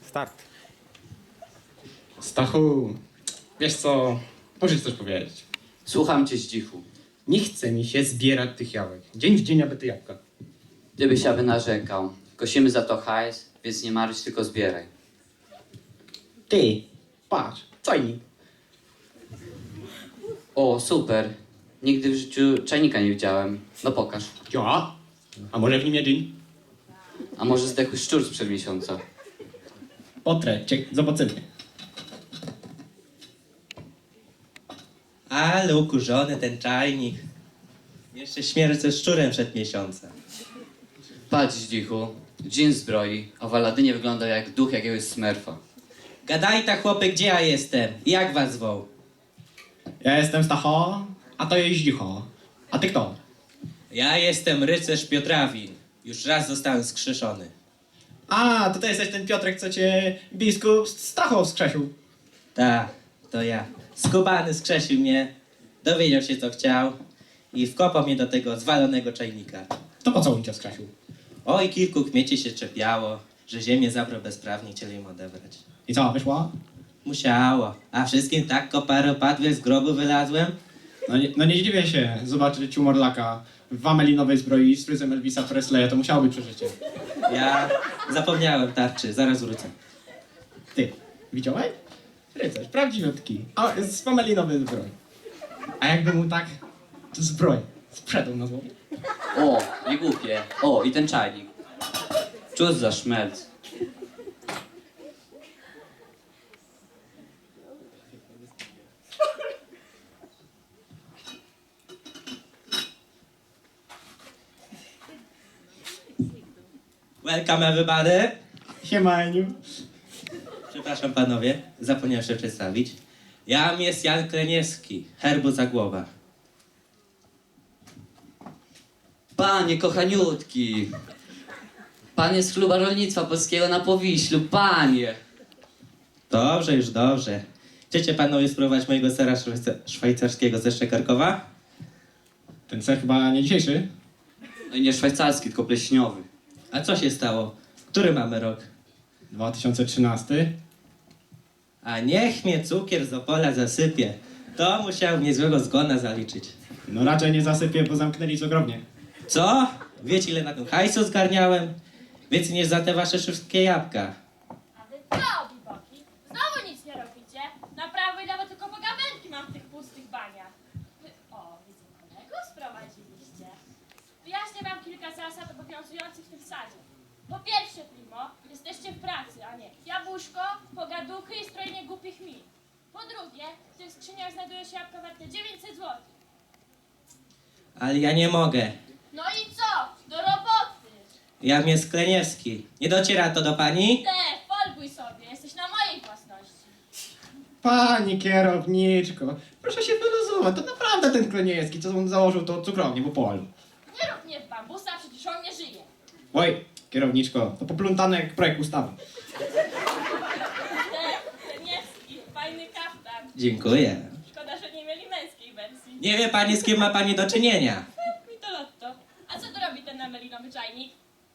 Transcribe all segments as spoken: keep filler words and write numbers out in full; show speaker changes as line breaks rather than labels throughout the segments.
Start.
Stachu, wiesz co, musisz coś powiedzieć.
Słucham cię, Zdzichu.
Nie chce mi się zbierać tych jabłek. Dzień w dzień aby te jabłka.
Gdybyś aby narzekał. Kosimy za to hajs, więc nie marudź, tylko zbieraj.
Ty, patrz, czajnik.
O, super. Nigdy w życiu czajnika nie widziałem. No pokaż.
Ja? A może w nim jedyń?
A może zdechły szczur sprzed miesiąca?
Potrę cię, zobaczymy.
Ale ukurzony ten czajnik. Jeszcze śmierć ze szczurem przed miesiącem.
Patrz, Zdzichu. Dżin zbroi, a w Aladynie wygląda jak duch jakiegoś smerfa.
Gadaj ta chłopy, gdzie ja jestem? I jak was zwoł?
Ja jestem Stacho, a to jest Zdzicho. A ty kto?
Ja jestem rycerz Piotrawin. Już raz zostałem skrzeszony.
A, to ty jesteś ten Piotrek, co cię biskup Stacho wskrzesił.
Tak, to ja. Skubany skrzesił mnie, dowiedział się co chciał i wkopał mnie do tego zwalonego czajnika.
To po co on cię wskrzesił?
Oj, kilku kmieci się czepiało, że ziemię zabrał bezprawnie, chcieli im odebrać.
I co, wyszło?
Musiało, a wszystkim tak koparopadły z grobu wylazłem.
No nie, no nie zdziwię się zobaczyć u Morlaka w amelinowej zbroi z fryzem Elvisa Presleya, to musiało być przeżycie.
Ja zapomniałem tarczy, zaraz wrócę.
Ty, widziałeś? Rycerz, prawdziwiutki, a z amelinowej zbroi. A jakby mu tak zbroję sprzedał na złowie?
O, nie głupie. O, i ten czajnik. Cóż za szmelc.
Welcome everybody.
Siema, Eniu.
Przepraszam panowie, zapomniałem się przedstawić. Jam jest Jan Kleniewski, herbu Zagłoba.
Panie kochaniutki. Pan jest z Kluba Rolnictwa Polskiego na Powiślu, panie.
Dobrze, już dobrze. Chcecie panowie spróbować mojego sera szwajca- szwajcarskiego ze Szczekarkowa?
Ten ser chyba nie dzisiejszy?
No i nie szwajcarski, tylko pleśniowy.
A co się stało? Który mamy rok?
dwa tysiące trzynasty.
A niech mnie cukier z Opola zasypie. To musiał niezłego zgona zaliczyć.
No raczej nie zasypię, bo zamknęli z ogromnie.
Co? Wiecie ile na tym hajsu zgarniałem? Więcej niż za te wasze wszystkie jabłka.
A wy co, biboki? Znowu nic nie robicie? Na prawo i lewo tylko pogawędki mam w tych pustych baniach. Wy, o, widzę kolegów sprowadziliście. Wyjaśnię wam kilka zasad obowiązujących w tym sadzie. Po pierwsze, primo, jesteście w pracy, a nie jabłuszko, pogaduchy i strojenie głupich min. Po drugie, w tych skrzyniach znajduje się jabłka warte dziewięćset złotych.
Ale ja nie mogę.
No i co? Do roboty!
Jam jest Kleniewski. Nie dociera to do pani?
Te, folguj sobie, jesteś na mojej własności.
Pani kierowniczko, proszę się wyluzować. To naprawdę ten Kleniewski, co on założył to cukrownię po polu.
Nie rób mnie w bambusa, przecież on nie żyje.
Oj, kierowniczko, to poplątane jak projekt ustawy.
Niewski, fajny kaftan.
Dziękuję.
Szkoda, że nie mieli męskiej wersji.
Nie wie pani z kim ma pani do czynienia.
Mi to lotto. A co tu robi ten amelinowy czajnik?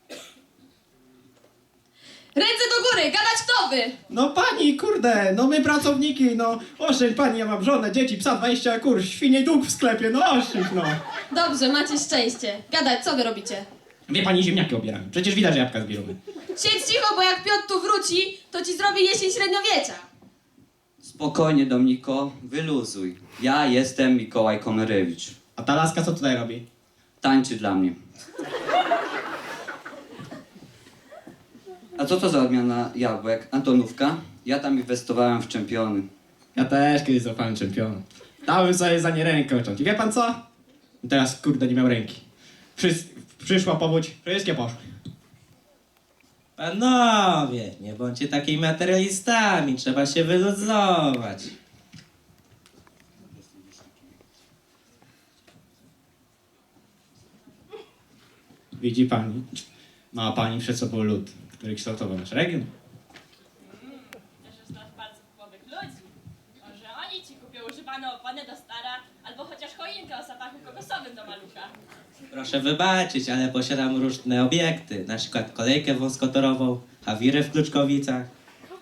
Ręce do góry, gadać kto wy!
No pani, kurde, no my pracowniki, no oszczędź pani, ja mam żonę, dzieci, psa, dwadzieścia kur, świnie dług w sklepie, no oszczędź no.
Dobrze, macie szczęście. Gadać, co wy robicie?
Wie pani, ziemniaki obieramy, przecież widać, że jabłka zbieramy.
Siedź cicho, bo jak Piotr tu wróci, to ci zrobi jesień średniowiecza.
Spokojnie, Dominiko, wyluzuj. Ja jestem Mikołaj Komerewicz.
A ta laska co tutaj robi?
Tańczy dla mnie. A co to za odmiana jabłek? Antonówka? Ja tam inwestowałem w czempiony.
Ja też kiedyś złapałem czempiona. Dałem sobie za nie rękę uciąć. I wie pan co? I teraz, kurde, nie miał ręki. Przys przyszła powódź, wszystkie poszły.
Panowie, nie bądźcie takimi materialistami, trzeba się wyluzować.
Widzi pani? Ma pani przed sobą lud, który kształtował nasz region.
Też znasz bardzo wpływowych ludzi. Może oni ci kupią używane opony do stara, albo chociaż choinkę o zapachu kokosowym do malucha.
Proszę wybaczyć, ale posiadam różne obiekty, na przykład kolejkę wąskotorową, Hawirę w Kluczkowicach.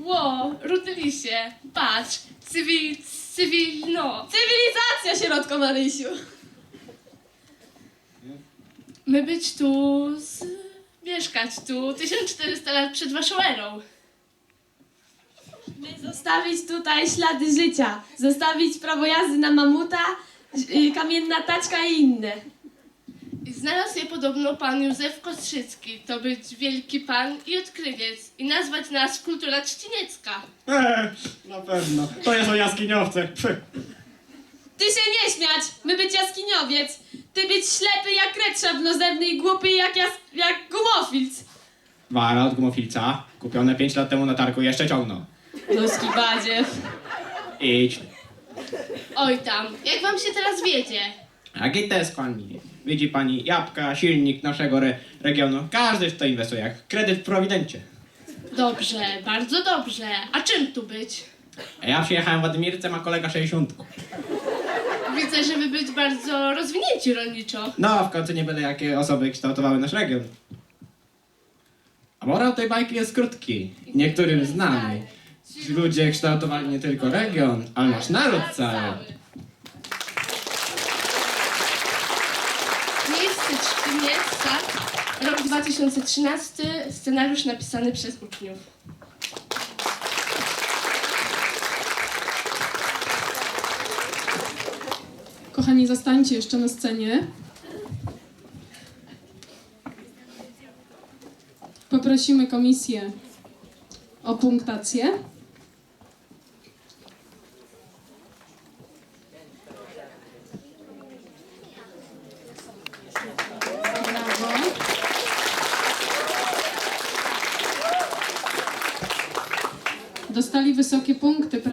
Ło, Rudylisie, patrz, cywil, cywil, no.
Cywilizacja, sierotko Marysiu.
My być tu, z, mieszkać tu tysiąc czterysta lat przed waszą erą.
My zostawić tutaj ślady życia. Zostawić prawo jazdy na mamuta, y, kamienna taczka i inne.
I znalazł je podobno pan Józef Kostrzycki, to być wielki pan i odkrywiec i nazwać nas kultura trzciniecka.
Eee, na pewno. To jest o jaskiniowce. Pff.
Ty się nie śmiać, my być jaskiniowiec. Ty być ślepy jak kret szablozębny i głupi jak, jas, jak gumofilc.
Wara od gumofilca, kupione pięć lat temu na targu, jeszcze ciągną.
Noski badziew.
Idź.
Oj tam, jak wam się teraz wiedzie?
A gites pani. Widzi pani jabłka, silnik naszego re regionu. Każdy w to inwestuje, jak kredyt w Prowidencie.
Dobrze, bardzo dobrze. A czym tu być?
A ja przyjechałem w Ładymirce, ma kolega sześćdziesiątku.
Widzę, że wy być bardzo rozwinięci rolniczo.
No, w końcu nie byle jakie osoby kształtowały nasz region. A morał tej bajki jest krótki, niektórym znany. Ci ludzie kształtowali nie tylko region, ale nasz naród cały.
Miejsce Trzciniec, rok dwa tysiące trzynasty, scenariusz napisany przez uczniów.
Kochani, zostańcie jeszcze na scenie. Poprosimy komisję o punktację. Brawo. Dostali wysokie punkty.